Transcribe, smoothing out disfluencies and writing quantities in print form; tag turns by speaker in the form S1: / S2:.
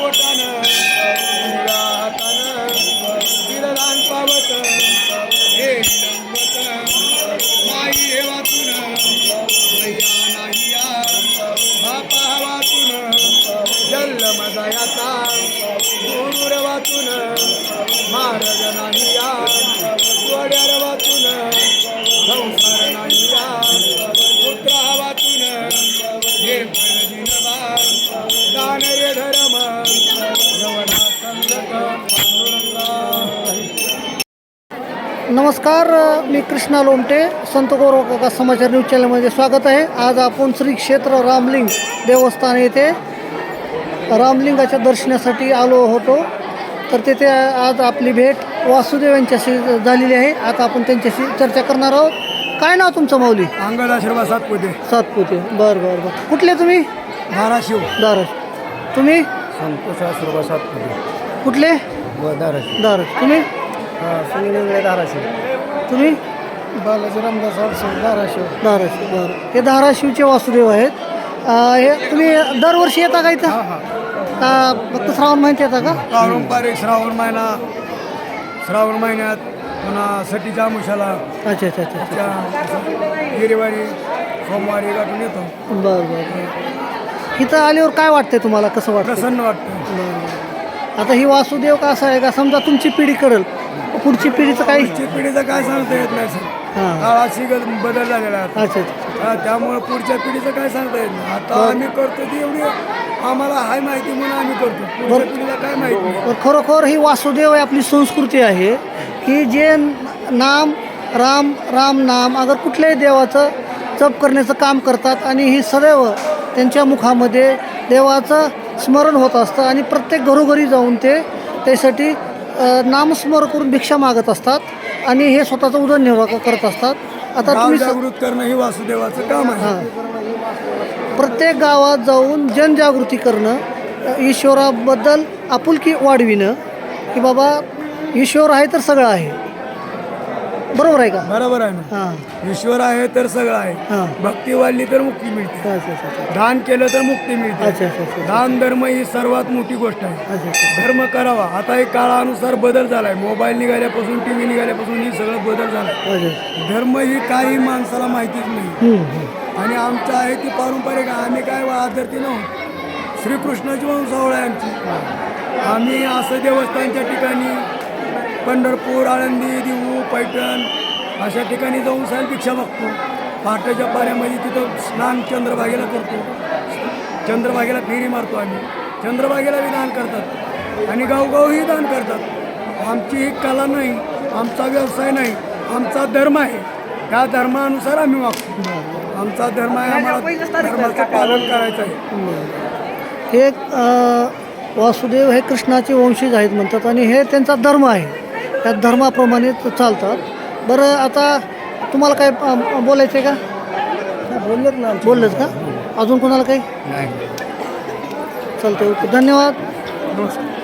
S1: बोटानं उजव्या हातानं तिरदान पावत हे लंबत माई हे वाचून मैया नाही या बापा वाचून जल्ल मजायाचा गुरुर वाचून महाराज नाही या वड्यार वाचून संसार नाही या पुत्रा वाचून हे फळदिनवा दान रे धर्म यवना संगत पांडुरंगा.
S2: नमस्कार, मी कृष्णा लोमटे, संत गौरव काका समाचार न्यूज चॅनलमध्ये स्वागत आहे. आज आपण श्री क्षेत्र रामलिंग देवस्थान येथे रामलिंगाच्या दर्शनासाठी आलो होतो. तर तिथे आज आपली भेट वासुदेव यांच्याशी झालेली आहे. आता आपण त्यांच्याशी चर्चा करणार आहोत. काय नाव तुमचं माऊली?
S1: अंगद आशीर्वाद सातपुते.
S2: सातपुते. बरं बरं बरं. कुठले तुम्ही?
S1: धाराशिव.
S2: धाराशिव. तुम्ही?
S1: संतोष आशीर्वाद सातपुते.
S2: कुठले?
S1: धाराशिव.
S2: धाराशिव. तुम्ही?
S1: सुनील इंगळे धाराशिव.
S2: तुम्ही?
S1: बालाजी रामदास आडसो धाराशिव.
S2: धाराशिव. बरं. हे धाराशिवचे वासुदेव आहेत. हे तुम्ही दरवर्षी येता का इथं? का फक्त श्रावण महिन्यात येता का?
S1: पारंपरिक श्रावण महिन्यात पुन्हा सटीच्या आमुषाला
S2: अच्छा अच्छा अच्छा अच्छा.
S1: गिरीवारी सोमवारी गाठून येतो.
S2: बरं बरं बरं. इथं आल्यावर काय वाटतंय तुम्हाला? कसं वाटतं?
S1: प्रसन्न वाटतं.
S2: बरं. आता ही वासुदेव का असं आहे का समजा तुमची पिढी करेल, पुढची पिढीचं काही?
S1: पुढची पिढीचं काय सांगता येत नाही सर.
S2: हां.
S1: काळाशी बदल झालेला आहे.
S2: अच्छा अच्छा.
S1: त्यामुळे पुढच्या पिढीचं काय सांगता येत नाही. आता आम्ही करतो ती एवढी आम्हाला हाय माहिती म्हणून आम्ही करतो. पुढच्या पिढीला काय माहिती नाही.
S2: तर खरोखर ही वासुदेव ही आपली संस्कृती आहे की जे नाम राम राम नाम अगर कुठल्याही देवाचं जप करण्याचं काम करतात आणि ही सदैव त्यांच्या मुखामध्ये देवाचं स्मरण होत असतं आणि प्रत्येक घरोघरी जाऊन ते त्यासाठी नामस्मरण करून भिक्षा मागत असतात आणि हे स्वतःचा उदरनिर्वाह करत असतात. आता
S1: गाव
S2: तुम्ही
S1: जागृत करणं ही वासुदेवाचं काम आहे.
S2: प्रत्येक गावात जाऊन जनजागृती करणं, ईश्वराबद्दल आपुलकी वाढविणं की बाबा ईश्वर आहे तर सगळं आहे. बरोबर आहे का?
S1: बरोबर आहे ना.
S2: हां
S1: ईश्वर आहे तर सगळं आहे.
S2: हां.
S1: भक्ती वाढली तर मुक्ती मिळते.
S2: अच्छा अच्छा अच्छा
S1: दान केलं तर मुक्ती मिळते.
S2: अच्छा अच्छा अच्छा
S1: दान धर्म ही सर्वात मोठी गोष्ट आहे.
S2: अच्छा अच्छा.
S1: धर्म करावा. आता हे काळानुसार बदल झालाय. मोबाईल निघाल्यापासून टीव्ही निघाल्यापासून ही सगळं बदल झालाय.
S2: अच्छा.
S1: धर्म ही काही माणसाला माहितीच नाही आणि आमचं आहे ती पारंपरिक आहे. आम्ही काय आदरती नव्हतो. श्रीकृष्णाची वंशावळ आहे आमची. आम्ही असं देवस्थानच्या ठिकाणी पंढरपूर, आळंदी, देहू, पैठण अशा ठिकाणी जाऊन साहेब भिक्षा मागतो. पहाटेच्या पाण्यामध्ये तिथं स्नान चंद्रभागेला करतो. चंद्रभागेला फेरी मारतो आम्ही. चंद्रभागेला बी दान करतात आणि गावगावही दान करतात. आमची ही कला नाही, आमचा व्यवसाय नाही, आमचा धर्म आहे. त्या धर्मानुसार आम्ही वागतो. आमचा धर्म आहे, आम्हाला धर्माचं पालन करायचं आहे.
S2: हे वासुदेव हे कृष्णाचे वंशज आहेत म्हणतात आणि हे त्यांचा धर्म आहे. त्या धर्माप्रमाणे चालतात. बरं, आता तुम्हाला काय बोलायचं आहे का?
S1: बोललेत ना.
S2: बोललंच का? अजून कोणाला काही?
S1: नाही.
S2: चालतं. ओके, धन्यवाद.
S1: नमस्कार.